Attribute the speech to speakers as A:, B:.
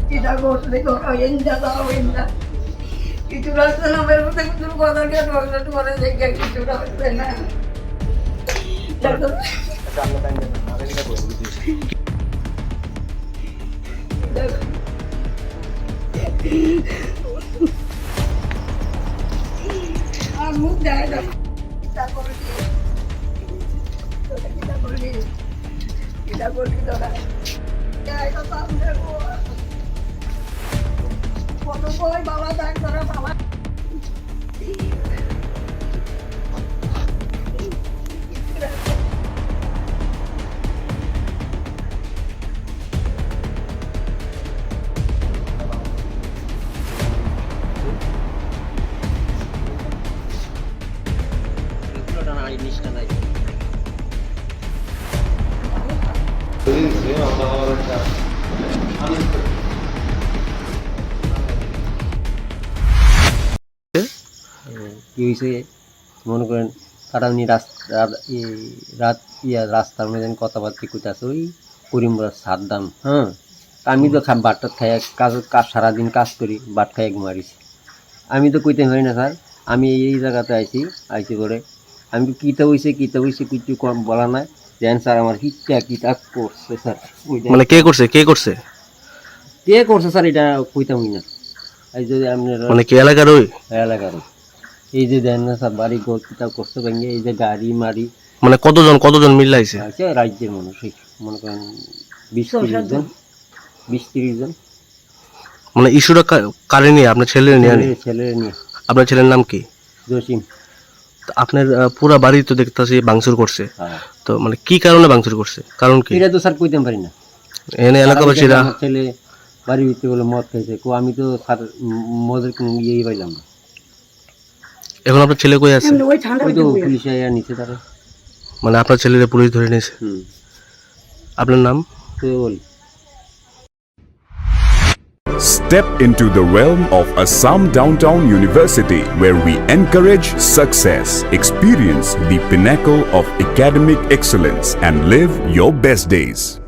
A: Kita করলে ধরো এন্ডা দাও এন্ডা কিছু রাস্তা না বের করতে কিছু কথা কে ডক্টর করে দেখে কিছু রাস্তা না মুখ দেয় না kita করলি ধরা এটা সামনে কত কই বাবা দেখ ধরা বাবা
B: কি হয়েছে মনে করেন তারা উনি রাস্তার মধ্যে কথাবার্তা করতেছে ওই করিমরা সাদ্দাম হ্যাঁ আমি তো বাটটা খাই কাজ সারাদিন কাজ করি বাট খাই মারিছি আমি তো কইতে পারি না স্যার আমি এই জায়গাতে আইছি করে আমি কিতা হয়েছে কিছু কম বলা নাই দেন স্যার আমার কিতা করছে স্যার
C: মানে কে করছে
B: স্যার এটা কইতামই না এই যে আপনার
C: মানে কি এলাকার
B: এলাকার এই যে দেন না স্যার বাড়ি ঘর কিতা করছে ভেঙে এই যে গাড়ি মারি
C: মানে কতজন মিলাইছে
B: আছে রাজ্যের মানুষ মনে করেন 20-30 জন
C: মানে ইস্যুটা কারে নিয়ে আপনার ছেলে নিয়ে আপনার ছেলের নাম কি
B: জসিম
C: আপনার পুরা বাড়ি তো দেখতেছি ভাঙচুর করছে
B: হ্যাঁ
C: তো মানে কি কারণে ভাঙচুর করছে কারণ কি
B: এটা তো স্যার কইতে পারি না
C: এনে এলাকাবাসীরা
B: ছেলে বাড়ির ভিতরে বলে মদ খাইছে আমি তো স্যার মদের কোনো ইয়েই পাইলাম না
C: এখন আপনার ছেলে কই আছে
B: ওই তো পুলিশে নিচে তারা
C: মানে আপনার ছেলেরা পুলিশ ধরে নিয়েছে আপনার নাম
B: তো বলি
D: Step into the realm of Assam Downtown University, where we encourage success, experience the pinnacle of academic excellence, and live your best days.